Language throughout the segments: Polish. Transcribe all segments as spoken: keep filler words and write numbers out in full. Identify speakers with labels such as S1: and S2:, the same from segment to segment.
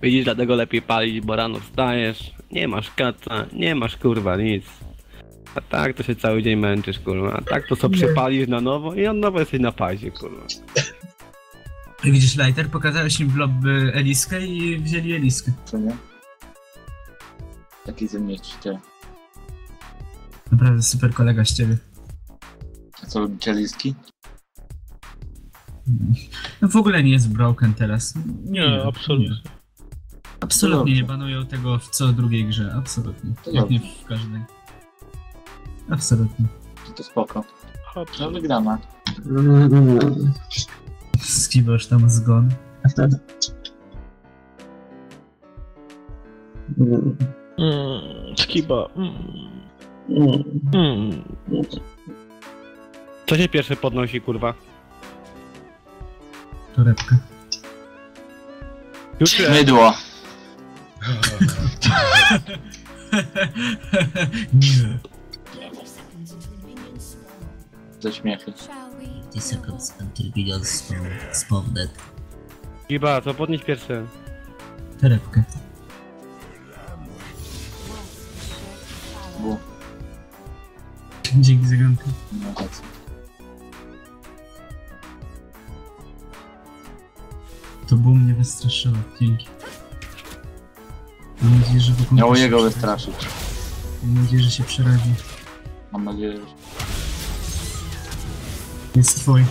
S1: Widzisz, dlatego lepiej palić, bo rano wstajesz, nie masz kaca, nie masz kurwa nic. A tak to się cały dzień męczysz, kurwa. A tak to sobie przypalisz na nowo i on nowo jesteś na pazie, kurwa.
S2: Widzisz, Lighter, pokazałeś im w lobby Eliskę i wzięli Eliskę.
S3: Co nie? Taki ze mnie czciel.
S2: Naprawdę super kolega z ciebie.
S3: A co lubicie liski?
S2: No w ogóle nie jest broken teraz. Nie,
S4: Nie, absolutnie.
S2: Nie. Absolutnie nie
S3: Dobrze.
S2: banują tego w co drugiej grze, absolutnie.
S3: To
S2: Jak nie
S3: dobrze.
S2: w każdej. Absolutnie.
S3: To spoko. No
S4: Absolutnie.
S3: wygrana.
S2: Skibosz tam zgon.
S4: Mm, skiba. Mm. Mm.
S1: Co się pierwsze podnosi, kurwa?
S2: Torebka.
S1: Już się...
S3: Mydło.
S2: Nie.
S3: Ze śmiechy.
S5: fifty seconds until videos spawn, spawn dead.
S1: Giba, co podnieść pierwsze?
S2: Torebkę.
S3: Bu.
S2: Dzięki za grankę.
S3: No tak.
S2: To było mnie wystraszyło. Dzięki. Mam nadzieję, że wykończy
S3: Miało
S2: się
S3: jego
S2: przerazi.
S3: wystraszyć.
S2: Mam nadzieję, że się przerazi.
S3: Mam nadzieję, że...
S2: Jest twój.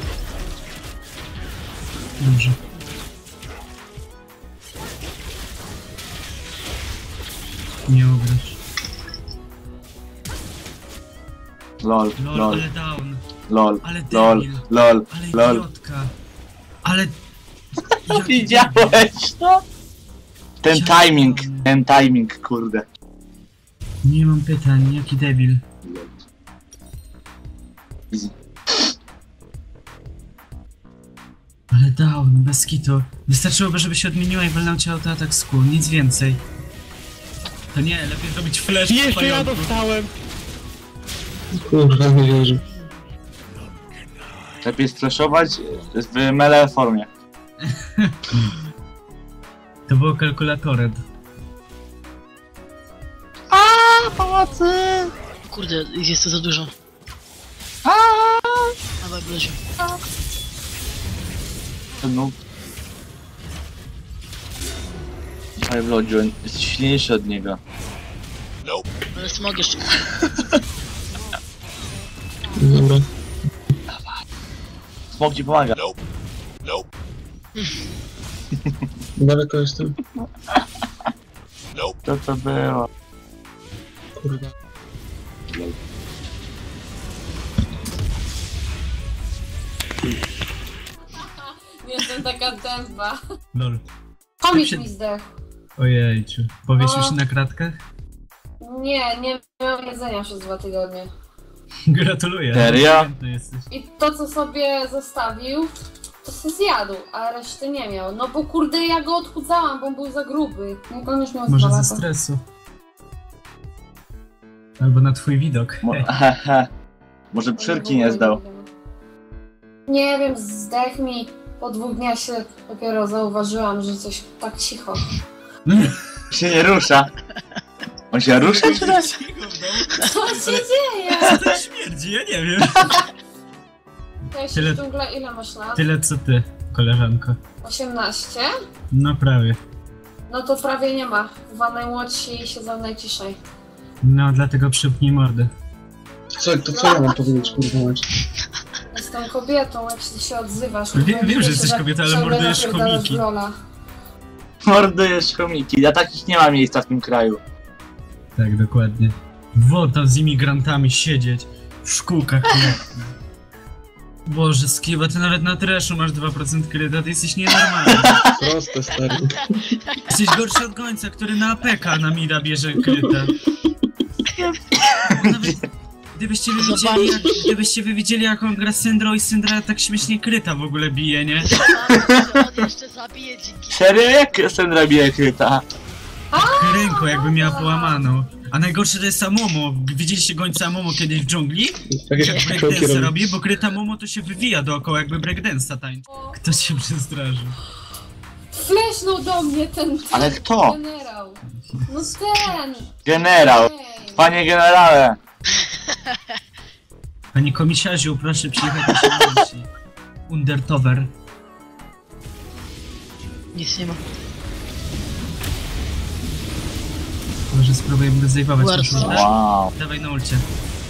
S2: Dobrze. Nie ugrasz.
S3: Lol,
S2: Lol,
S3: lol,
S2: ale down.
S3: lol,
S2: Ale
S3: lol,
S2: debil.
S3: lol,
S2: Ale
S3: lol.
S2: idiotka. Ale... Jaki
S3: Widziałeś to? Ten
S2: Ja
S3: timing,
S2: pierdolę.
S3: ten timing, kurde.
S2: debil. Nie mam pytań, jaki debil.
S3: Easy.
S2: Ale down, bez kitu. Wystarczyłoby, żeby się odmieniła i walnął cię autoatak z kół, nic więcej. To nie, lepiej zrobić flash
S1: Jeszcze
S2: w
S1: ja
S2: pająku.
S1: dostałem!
S6: Kurwa, nie wierzę.
S3: Lepiej sflashować w melee formie.
S2: To było kalkulatorem.
S3: Aaa, pomocy!
S5: Kurde, jest to za dużo. Dawaj, Bleziu.
S3: No. Ale Blodziu, jesteś silniejszy od niego.
S5: Ale smog jeszcze.
S6: Dobra.
S3: Smok ci pomaga.
S6: Daleko jestem.
S3: Co to było?
S6: Kurwa.
S7: Jestem taka dęba.
S2: Lol.
S7: Komik
S2: się-
S7: mi zdechł.
S2: Ojejciu. Powiesił
S7: No.
S2: się na kratkach?
S7: Nie, nie miałem jedzenia przez dwa tygodnie.
S2: Gratuluję.
S3: Serio?
S2: Inteligentny jesteś.
S7: I to, co sobie zostawił, to se zjadł, a reszty nie miał. No bo kurde, ja go odchudzałam, bo on był za gruby. No to już miał
S2: Może
S7: dwa
S2: ze
S7: lata.
S2: stresu. Albo na twój widok.
S3: Mo hehe. Może przyrki nie zdał.
S7: Nie wiem, zdech mi. Po dwóch dniach się dopiero zauważyłam, że coś tak cicho.
S3: Się nie rusza. On się rusza czy nie?
S7: Co się dzieje?
S2: Co to śmierdzi? Ja nie wiem.
S7: Cześć,
S2: Tyle-
S7: dżungla, ile masz lat?
S2: Tyle co ty, koleżanko.
S7: osiemnaście?
S2: No prawie.
S7: No to prawie nie ma. Dwa najmłodsi siedzą najciszej.
S2: No dlatego przypnij mordę.
S6: Co, to co ja mam powiedzieć, kurwa mać?
S7: Jestem kobietą, jak się, się odzywasz.
S2: Wiem- wiem, że
S7: Wiesz,
S2: jesteś kobietą, ale
S7: ciągle
S2: mordujesz
S7: napierdalasz
S2: chomiki.
S7: w rola.
S3: Mordujesz chomiki. Ja takich nie ma miejsca w tym kraju.
S2: Tak, dokładnie. Woda z imigrantami siedzieć w szkółkach. Nie. Boże, Skiba, ty nawet na trashu masz dwa procent kryta, ty jesteś nienormalny.
S6: Proste, stary.
S2: Jesteś gorszy od gońca, który na A P K na mida bierze kryta. Nawet gdybyście wy widzieli, jak, gdybyście wy widzieli jak on gra Syndro i Syndra tak śmiesznie kryta w ogóle bije, nie?
S5: On jeszcze zabije dzięki.
S3: Serio? Jak Sandra bije kryta?
S2: Ręką jakby miała połamaną. A najgorsze to jest Amomo. Widzieliście gońca Amomo kiedyś w dżungli?
S6: Tak
S2: Jak
S6: jak kroki
S2: breakdance
S6: robi.
S2: robi, bo kryta Momo to się wywija dookoła jakby breakdance'a tańczy. Ktoś się przestraszył.
S7: Flesznął do mnie ten, ten
S3: Ale kto?
S7: generał. No ten!
S3: Generał!
S7: Ej.
S3: Panie generale!
S2: Panie komisiarzu, proszę przyjechać na śmierci. Undertower.
S4: Nic nie ma.
S2: Może spróbujemy go zajmować na
S4: Bardzo.
S2: szulę?
S3: Wow.
S2: Dawaj na ulcie.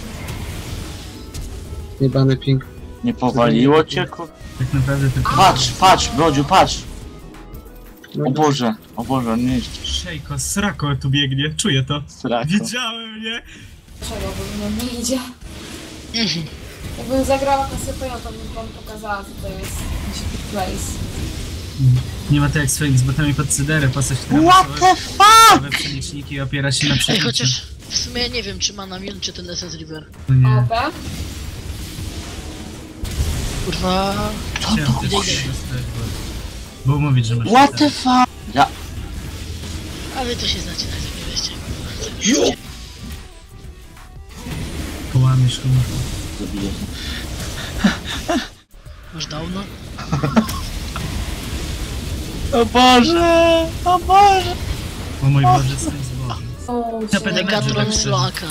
S6: Jebany ping.
S3: Nie powaliło cię, kur...
S2: Tak naprawdę tylko...
S3: Patrz, patrz, Brodziu, patrz!
S6: No,
S3: O Boże, o Boże, nie jest
S2: Szejko, srako tu biegnie, czuję to.
S3: strako.
S2: Wiedziałem, nie?
S7: Czego, bo mnie nie idzie. Jakbym zagrała Kasypeją, to bym wam pokazała, co to jest dziki place.
S2: Nie ma to jak swoimi z botami pod cyderę, postać, która
S3: What
S2: ma
S3: the
S2: same przeliczniki i opiera się na
S4: Ej,
S2: przejściu.
S4: chociaż w sumie nie wiem, czy ma na Mil, czy ten S S River.
S2: No nie,
S7: O B?
S4: Kurwa...
S2: chciałem też
S4: Idę,
S2: tego
S4: idę.
S2: dostać, bo... Bo mówić, że masz...
S3: What the fuck? Ja...
S4: A wy to się znacie na tym, nie weźcie.
S2: Połamiesz komuś.
S3: Zabiję się.
S4: Masz downa?
S3: O Boże! O Boże!
S2: O mój Boże, syn z Boże.
S7: O,
S2: Tapet
S7: cię.
S2: Megatron.
S4: Megatron Sloaka.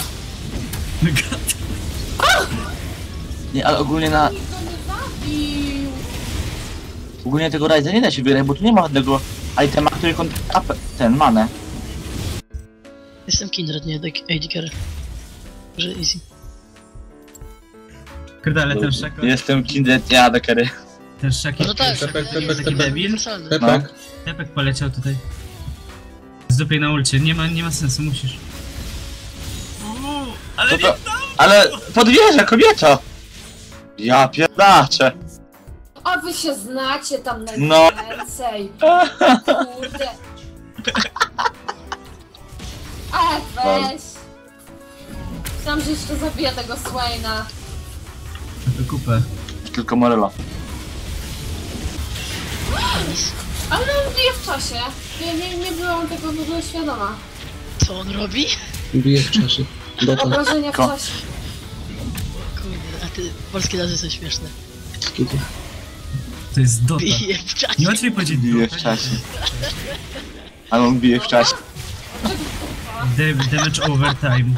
S3: Nie, ale ogólnie na...
S7: Nikt go nie zabił!
S3: Ogólnie tego Ryza nie da się wybierać, bo tu nie ma żadnego itema, który kont... Up, ten, manę.
S4: Jestem Kindred, nie A D Carry. Że easy.
S2: Kurde, ale ten szako...
S3: Jestem Kindred, ja A D Carry.
S2: Ten szaki...
S4: No tak,
S6: Pepek,
S4: to
S6: pepek,
S4: jest
S2: taki
S6: pepek.
S2: debil.
S4: uniwersalny.
S6: Pepek.
S2: Tepek poleciał tutaj. Zdupiej na ulcie, nie ma, nie ma sensu, musisz. Uuu, ale
S3: To
S2: nie
S3: to... Ale podwieżę, kobieto! Ja pierdaczę!
S7: A wy się znacie tam
S3: No.
S7: najwięcej! Kurde! E, weź! Myślałam, że jeszcze zabiję tego Swaina.
S2: to kupę.
S3: Tylko Morello.
S7: Ale on bije w czasie. Nie, nie, nie byłam tego w ogóle świadoma.
S4: Co on robi?
S6: Bije w czasie. Dota.
S7: Obrażenia w
S3: Ko-
S7: czasie.
S4: Kurde, a ty... Polskie nazwy są śmieszne.
S6: Skidu.
S2: To jest Dota.
S4: Bije w czasie.
S2: Nie łatwiej powiedzieć
S3: Bije
S2: Dota.
S3: w czasie. Ale on bije w czasie.
S2: Da- Damage overtime.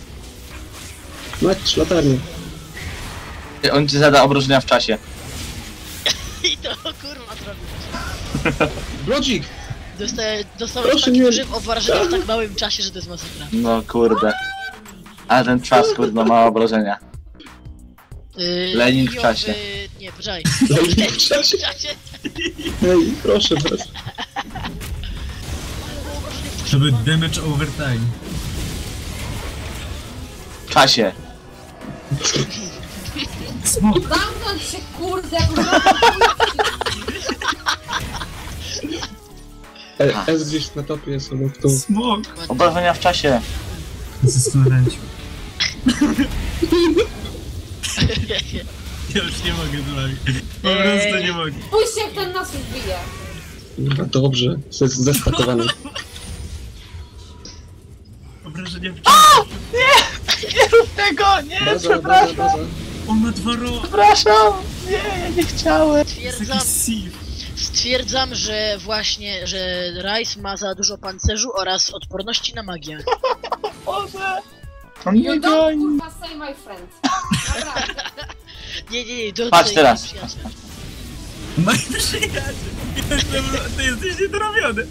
S6: Mać latarnię.
S3: On ci zada obrażenia w czasie.
S4: I to kurwa zrobił.
S6: Brodzik!
S4: Dostaję, dostałem
S6: Proszę
S4: taki
S6: nie-
S4: grzyb o wrażenia w tak małym czasie, że to jest masakra.
S3: No kurde. Ale ten czas, kurde, ma obrażenia.
S4: Yy,
S3: Lenin w
S4: Jowy-
S3: czasie.
S4: Nie, poczekaj.
S6: Lenin w czasie.
S4: W czasie.
S6: Hej, proszę was.
S2: To był damage overtime.
S3: W czasie.
S2: Smok.
S7: Zamknąć się, kurde, jak mam
S6: E, S gdzieś na topie jest obok tu.
S2: Smok.
S3: Obrażenia w czasie.
S2: Zastanawiałem się. Ja już nie mogę z wami. Po prostu nie mogę.
S7: Spójrzcie, jak ten nas już bije.
S6: Kurwa, dobrze. To jest zestakowany.
S2: Obrażenia w czasie.
S3: Nie rób tego, nie,
S6: Baza, baza, baza.
S2: On ma dwa ro...
S3: Przepraszam. Nie, ja nie chciałem.
S2: To jest
S4: Stwierdzam,
S2: jakiś sieve.
S4: stwierdzam, że właśnie, że Rice ma za dużo pancerzu oraz odporności na magię.
S3: Boże. On
S7: You
S3: nie
S7: don't,
S3: goni.
S7: kurwa, say my friend. Naprawdę.
S4: Nie, nie, nie, do
S3: Patrz
S4: tutaj
S3: teraz.
S4: przyjaciel.
S2: Mój przyjaciel. Jestem... Ty jesteś niedorobiony.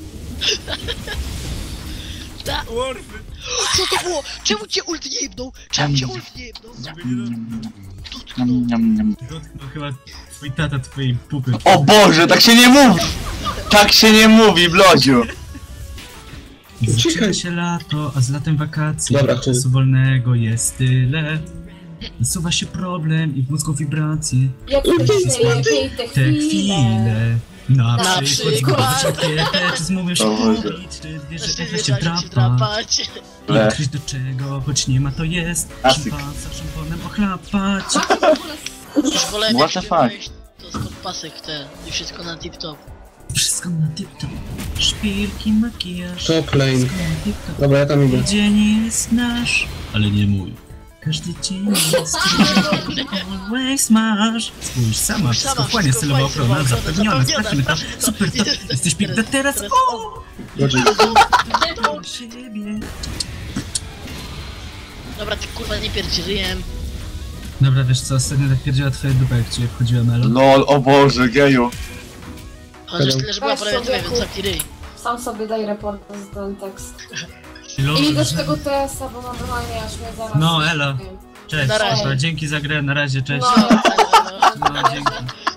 S4: Ta,
S2: Warfy.
S4: co to było? Czemu cię ult nie jebnął? Czemu cię ult nie jebnął? Dotknął.
S3: Niam, niam, niam.
S2: Dotknął chyba twój tata twojej pupy.
S3: O Boże, tak się nie mówi! Tak się nie mówi, Blodziu!
S2: Zaczyna się lato, a z latem wakacje.
S6: Dobra, chuj.
S2: Czasu wolnego jest tyle. Nasuwa się problem i w mózgu wibracje.
S7: Jak
S2: Te
S7: najlepiej te
S2: Te
S7: chwile.
S2: chwile. Na,
S7: Na
S2: przykład
S7: przykład.
S2: zgodzić czy zmówisz
S3: O Boże.
S2: mówić, czy wiesz, że
S4: Znaczy,
S2: efekt
S4: wiesz,
S2: się
S4: jak się
S2: drapa.
S4: drapać.
S3: Le.
S2: Kryć do czego, choć nie ma to jest.
S3: Klasyk.
S2: Szympansa szamponem ochlapać.
S7: Macie w ogóle
S4: Już wolałem
S3: What
S4: jak
S3: the
S4: śpiewałeś to spod pasek te i wszystko na tip-top.
S2: Wszystko na tip-top. Szpilki, makijaż.
S6: Top lane.
S2: Wszystko na tip-top.
S6: Dobra, ja tam idę.
S2: Dzień jest nasz, ale nie mój. Każdy dzień jest always masz. Spójrz, sama, wszystko fajnie, stylowa ochrona, zapewniona, sprawdźmy to. Super, to jesteś piękna teraz, o!
S6: Roger,
S2: Do siebie.
S4: Dobra, ty kurwa nie pierdzieliłem.
S2: Dobra, wiesz co, ostatnio tak pierdziała twoja dupa, jak ci wchodziła Melo.
S3: Lol, o Boże, geju.
S4: Chociaż tyle, że była
S7: Weź
S4: prawie
S7: sobie,
S4: tyle, więc
S7: kur-
S4: zamknij ryj.
S7: Sam sobie daj report z ten tekst.
S2: Lol,
S7: I też
S2: że-
S7: tego T S-a, bo normalnie aż mnie zaraz...
S2: No, elo. Cześć,
S4: Na razie.
S2: dobra, dzięki za grę, na razie, cześć.
S7: No,
S2: No, dzięki.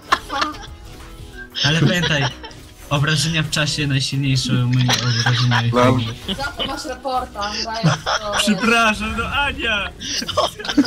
S2: Ale pamiętaj, obrażenia w czasie najsilniejsze umynie obrażenia i
S3: Dobrze.
S7: za to masz reporta, dajesz to, wiesz.
S2: Przepraszam, no Ania!